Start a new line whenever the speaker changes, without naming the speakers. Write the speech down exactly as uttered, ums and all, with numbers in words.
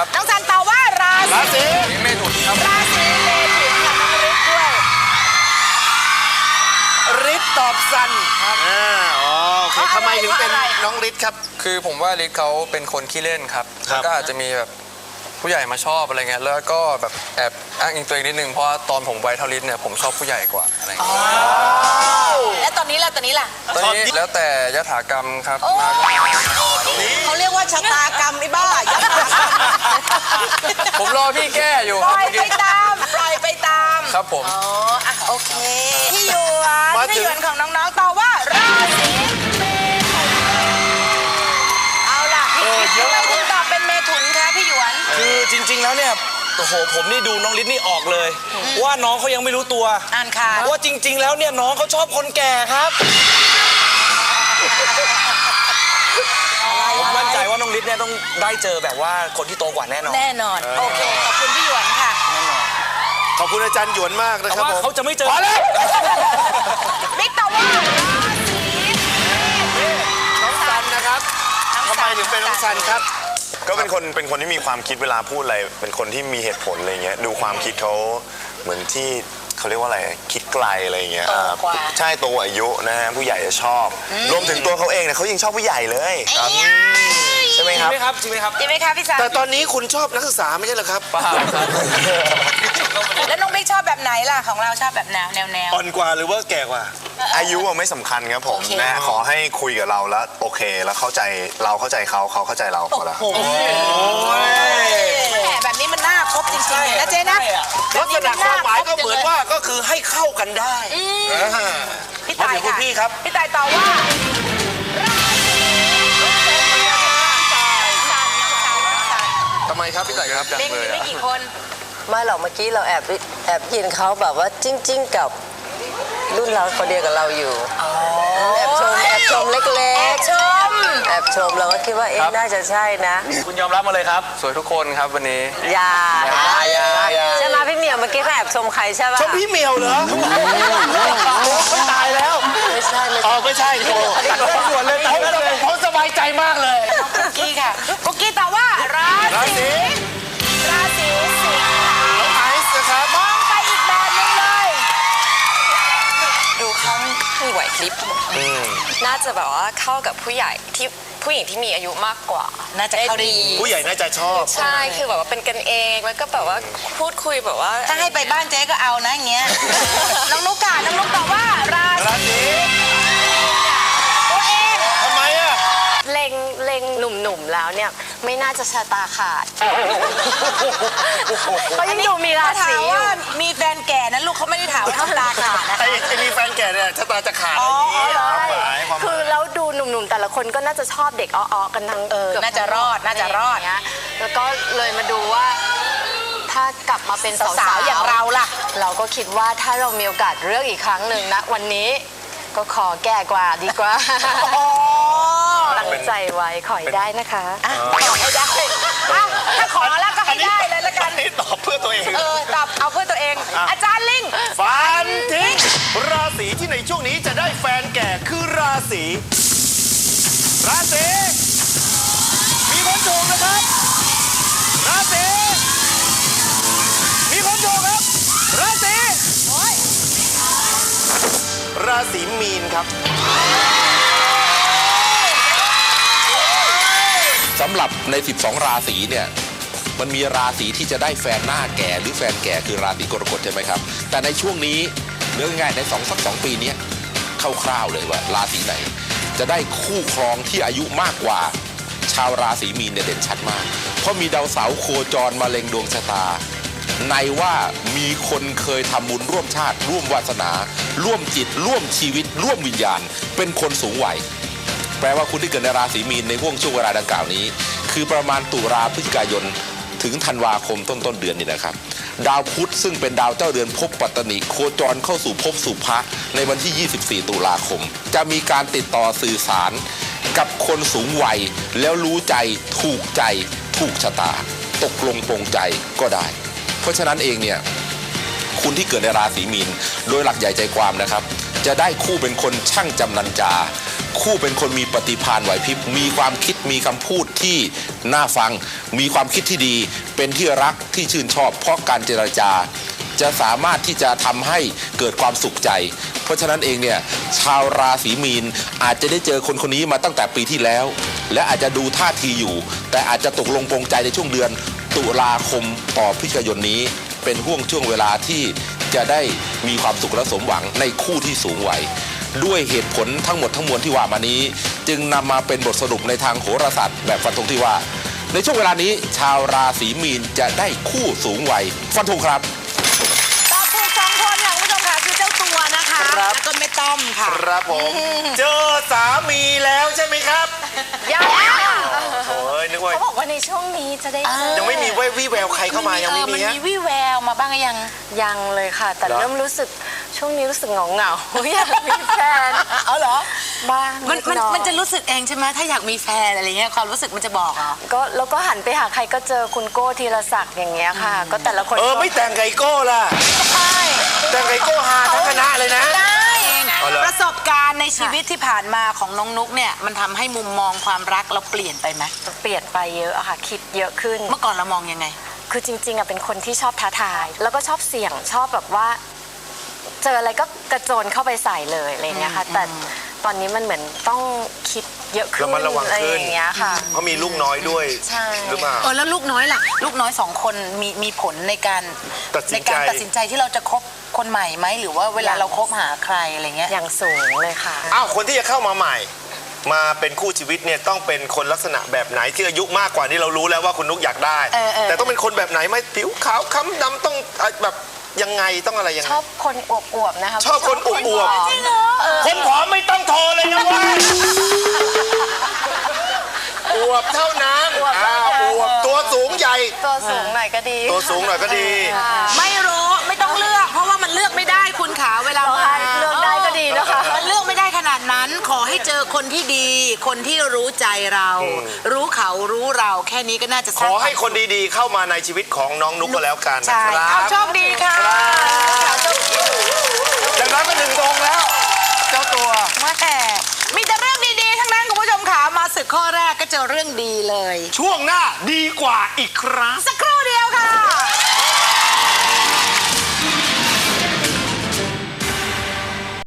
ครับ
น้องซันตอบว่าราศี
ราศี
เมถุนครับ
ราศีเมถุนค่ะน้องฤทธิ์ด้วย
ฤทธิ์ตอบซันครับอ่าอ๋อโอเคทำไมถึงเป็นน้องฤทธิ์ครับ
คือผมว่าฤทธิ์เขาเป็นคนขี้เล่นครับแล้วก็อาจจะมีแบบผู้ใหญ่มาชอบอะไรเงี้ยแล้วก็แบบแอบอ้างอิงตัวเองนิดนึงเพราะตอนผมวัยเท่าฤทธิ์เนี่ยผมชอบผู้ใหญ่กว่าอะไรเงี้ย
และตอนนี้ล่ะตอนนี้ล่ะ
ตอนนี้แล้วแต่ยถากรรมครับ
เขาเรียกว่าชะตากรรมไอ้บ้ายัตากรรม
ผมรอพี่แก้อยู่
ปล่อยไปตามปล่อยไปตาม
ครับผม
อ๋ออ่ะโอเคพี่หยวน
มาถึง
พี่หยวนของน้องๆตอบว่าราศีเมถุนเอาล่ะทำไมถึงตอบเป็นเมถุนคะพี่หยวน
คือจริงๆแล้วเนี่ยโอ้โหผมนี่ดูน้องฤทธิ์นี่ออกเลย ว่าน้องเขายังไม่รู้ตัว
อ่านค่ะ
ว่าจริง ๆ แล้วเนี่ยน้องเขาชอบคนแก่ครับผมมั่นใจว่าน้องฤทธิ์เนี่ยต้องได้เจอแบบว่าคนที่โตกว่าแน่นอน
แน่นอนโอเคขอบคุณพี่หยวนค่ะ
ขอบคุณอาจารย์หยวนมากนะ
แต่
ครับ
ว่า
ผม
เขาจะไม่เจอ
พอแล้ว
บิ๊กตอบว่าราศี
น้องซันนะครับทำไมถึงเป็นน้องซันครับ
ก็เป็นคนเป็นคนที่มีความคิดเวลาพูดอะไรเป็นคนที่มีเหตุผลอะไรเงี้ยดูความคิดเขาเหมือนที่เขาเรียกว่าอะไรคิดไกลอะไรเงี้ย
โตกว่า
ใช่โตอายุนะฮะผู้ใหญ่จะชอบ รวมถึงตัวเขาเองเนี่ยเขายังชอบผู้ใหญ่เลยครับใช่ไหม
จริ
ค
ง
รับ
ไหมครับจริงไหมครับ
จริงไหมคะพี่ซัน
แต่ตอนนี้คุณชอบนักศึกษาไม่ใช่เหรอครับ
เปล่าครับ
แล้วน้องบิ๊กชอบแบบไหนล่ะของเราชอบแบบแนวแนวแนว
อ่อนกว่าหรือว่าแก่กว่า
อายุอะไม่สำคัญครับผม
โอเค
นะขอให้คุยกับเราแล้วโอเคแล้วเข้าใจเราเข้าใจเขาเขาเข้าใจเราพอแล้ว
แหมแบบนี้มันน่าคบจริงๆเลยนะเจ๊นะ
ลักษณะความหมายก็เหมือนว่าก็คือให้เข้ากันได้อ่า
พี่ตาย
มาถึงคุณ
ค่ะ
พี่ครับ
พี่ตายตอบว่าราศีซันน้องซันน้องซัน
ทำไมครับพี่ต่ายครับจัง
บิ๊ก
เล
มี
ย
ไม่
อะ
กี่คน
ไม่หรอกเมื่อกี้เราแอบแอบยินเขาแบบว่าจริง ๆ กับรุ่นเราคนเดียวกับเราอยู่แอบชมแอบชมเล็ก
แอบชม
ๆแอบชมเราก็คิดว่าเอ๊ะน่าจะใช่นะ
คุณยอมรับมาเลยครับ
สวยทุกคนครับวันนี้
อย่า
อย่าอย่า
ใช่ไหมพี่เหมียวเมื่อกี้เขาแอบชมใครใช่ป่ะ
ชมพี่เหมียวเหรอไม่ตายแล้ว
ไม่ใช่ไม่
อ๋อ
ใช่
ไม่ใช่โอ้
ส่วนเลยตายกันเลย
ผมสบายใจมากเลย
คุกกี้ค่ะคุกกี้ตอบว่าราศีราศีสิงห์
น้องไอซ์นะครับ
มองไปอีกแบบนึงเลย
ดูเขามีไหวพริบน่าจะแบบว่าเข้ากับผู้ใหญ่ที่ผู้หญิงที่มีอายุมากกว่า
น่าจะเข้าได้ดี
ผู้ใหญ่น่าจะชอบ
ใช่คือแบบว่าเป็นกันเองแล้วก็แบบว่าพูดคุยแบบว่า
ถ้าให้ไปบ้านเจ๊ก็เอานะอย่างเงี้ย น้องนุ๊กค่ะน้องนุ๊กตอบว่ารา
รา
ศี
ศี
ตัวเอง
ทำไมอ่ะ
เล็งเล็งหนุ่มๆแล้วเนี่ยไม่น่าจะชะตาขาดเขายังดูมีรา
ถา
ศี
ม
อ
ว่า
ยู่
มีแฟนแก่นั้นลูกเขาไม่ได้ถามว่าทำตาขาดนะ
ไอ้ไอ้มีแฟนแก่เนี่ยชะตาจะขาดอะไรอย่างเงี้ยความหมายความห
คื
มา
อย แล้วดูหนุ่มๆแต่ละคนก็น่าจะชอบเด็กอ้อๆกันทั้ง
เออ
กืบ
น่าจะรอดน่าจะรอด
ย่างเงี้ยแล้วก็เลยมาดูว่า ถ้ากลับมาเป็นสาว
สาวๆอย่างเราล่ะ
เราก็คิดว่าถ้าเรามีโอกาสเลือกอีกครั้งหนึ่งนะวันนี้ก็ขอแก่กว่าดีกว่า ตั้งใจไว้ขอให้ได้นะคะ
อ่ะขอให้ได้อ่ะถ้าขอแล้วก็ให้ได้เลยละกัน
อันนี้ตอบเพื่อตัวเอง
เออตอบเอาเพื่อตัวเอง อาจารย์ลิง
ฟันทิ้งราศีที่ในช่วงนี้จะได้แฟนแก่คือราศีราศีมีคนถูกนะครับ ราศีมีคนถูกครับ ราศีราศีมีนครับ
สำหรับใน สิบสอง ราศีเนี่ยมันมีราศีที่จะได้แฟนหน้าแก่หรือแฟนแก่คือราศีกรกฎใช่ไหมครับแต่ในช่วงนี้เรื่องง่ายๆในสองสักสองปีนี้คร่าวๆเลยว่าราศีไหน จะได้คู่ครองที่อายุมากกว่าชาวราศีมีนเนี่ยเด่นชัดมาก เพราะมีดาวเสาร์โคจรมาเล็งดวงชะตาในว่ามีคนเคยทำบุญร่วมชาติร่วมวาสนา ร่วมจิต ร่วมชีวิต ร่วมวิญญาณ เป็นคนสูงวัยแปลว่าคุณที่เกิดในราศีมีนในห่วงช่วงเวลาดังกล่าวนี้ คือประมาณตุลาพฤศจิกายนถึงธันวาคมต้นต้นเดือนนี่นะครับ ดาวพุธซึ่งเป็นดาวเจ้าเรือนภพปัตตนิโคจรเข้าสู่ภพสุภะในวันที่ ยี่สิบสี่ ตุลาคม จะมีการติดต่อสื่อสารกับคนสูงวัยแล้วรู้ใจถูกใจถูกชะตา ตกลงปรงใจก็ได้ เพราะฉะนั้นเองเนี่ยคุณที่เกิดในราศีมีนโดยหลักใหญ่ใจความนะครับจะได้คู่เป็นคนช่างจำนันจาคู่เป็นคนมีปฏิภาณไหวพริบมีความคิดมีคำพูดที่น่าฟัง มีความคิดที่ดีเป็นที่รักที่ชื่นชอบเพราะการเจรจาจะสามารถที่จะทำให้เกิดความสุขใจเพราะฉะนั้นเองเนี่ยชาวราศีมีนอาจจะได้เจอคนคนนี้มาตั้งแต่ปีที่แล้วและอาจจะดูท่าทีอยู่แต่อาจจะตกลงปลงใจในช่วงเดือนตุลาคมต่อพฤศจิกายนนี้เป็นห่วงช่วงเวลาที่จะได้มีความสุขและสมหวังในคู่ที่สูงวัยด้วยเหตุผลทั้งหมดทั้งมวลที่ว่ามานี้จึงนำมาเป็นบทสรุปในทางโหราศาสตร์แบบฟันธงที่ว่าในช่วงเวลานี้ชาวราศีมีนจะได้คู่สูงวัยฟันธงครับ
ตอบถูกสองคนค่ะคุณผู้ชมค่ะคือเจ้าตัวนะคะแล้วก็ไม่ต้อมค่ะ
ครับผมเจอสามีแล้วใช่ไหมครับ
ยัง
โอ้ยนึกว่า
เขาบอกว่าในช่วงนี้จะได้เจอ
ยังไม่มีวี่แววใครเข้ามายังไม่มี
มัน
ฮะ
มีวี่แววมาบ้างหรือยัง
ยังเลยค่ะ แต่
เหรอ
เริ่มรู้สึกช่วงนี้รู้สึกเหงาเหงาๆอยากมีแฟน
เอาเหรอ
บ้าง
มันมัน
ดหอย
มันจะรู้สึกเองใช่ไหมถ้าอยากมีแฟนอะไรเงี้ยความรู้สึกมันจะบอกเหรอ
ก็แล้วก็หันไปหาใครก็เจอคุณโก้ธีรศักดิ์อย่างเงี้ยค่ะ ก็แต่ละคน
เออไม่แต่งไก่โก้ล่ะ
ใช่
แต่งไก่โก้ฮาทั้งคณะเลยนะ
ได้
เอาเหรอ
ประสบการณ์ในชีวิตที่ผ่านมาของน้องนุ๊กเนี่ยมันทำให้มุมมองความรักเราเปลี่ยนไปไหม
เปลี่ยนไปเยอะอะค่ะ คิดเยอะขึ้น
เมื่อก่อนเรามองยังไง
คือจริงๆอะเป็นคนที่ชอบท้าทาย แล้วก็ชอบเสี่ยงชอบแบบว่า เจออะไรก็กระโจนเข้าไปใส่เลยอะไรเงี้ยค่ะ แต่ตอนนี้มันเหมือนต้องคิดเยอะขึ้น
ระมัดระวัง
อะไร
ขึ้น
อย่างเงี้ยค่ะ
เพราะมีลูกน้อยด้วย
ใช่
หรือเปล่า
เออแล้วลูกน้อยล่ะ ลูกน้อยสองคนมีมีผลในการ
ตัดสิ
ใน
นใจ
การตัดสินใจที่เราจะคบคนใหม่ไหมหรือว่าเวลาเราคบหาใครอะไรเงี้ย
อย่างสูงเลยค่ะ
อ้าวคนที่จะเข้ามาใหม่ มาเป็นคู่ชีวิตเนี่ยต้องเป็นคนลักษณะแบบไหนที่อายุมากกว่านี่เรารู้แล้วว่าคุณนุ๊กอยากได้
เออเออ
แต่ต้องเป็นคนแบบไหนไหมผิวขาวค้ำดำต้องเอ่อแบบยังไงต้องอะไรยัง
ช
ไง
อบคนอวบๆนะคะ
ชอบคนอวบๆ
จริงเหรอ
คนผอมไม่ต้องโทรเลยนะเว่าอวบเท่านั้นอ่าอวบตัวสูงใหญ่
ตัวสูงหน่อยก็ดี
ตัวสูงหน่อยก็ดี
ไม่รู้ไม่ต้องเลือกเพราะว่ามันเลือกไม่ได้คุณขาเวลามา
เลือกได้ก็ดีนะคะ
มันเลือกไม่ได้ขนาดนั้นขอให้เจอคนที่ดี คนที่รู้ใจเรา รู้เขารู้เราแค่นี้ก็น่าจะส
ข
ร้าง
อให้คนดีๆเข้ามาในชีวิตของน้องนุ๊กก็แล้วกันนะ
ใช่
ครั
เอา
บ
โชคดีค่ะ
จากนั้นก็หนึ่งตรงแล้ว เจ้าตัว
แม่มีแต่เรื่องดีๆทั้งนั้นคุณผู้ชมขามาศึกข้อแรกก็เจอเรื่องดีเลย
ช่วงหน้าดีกว่าอีกครั้ง
สักครู่เดียวค่ะ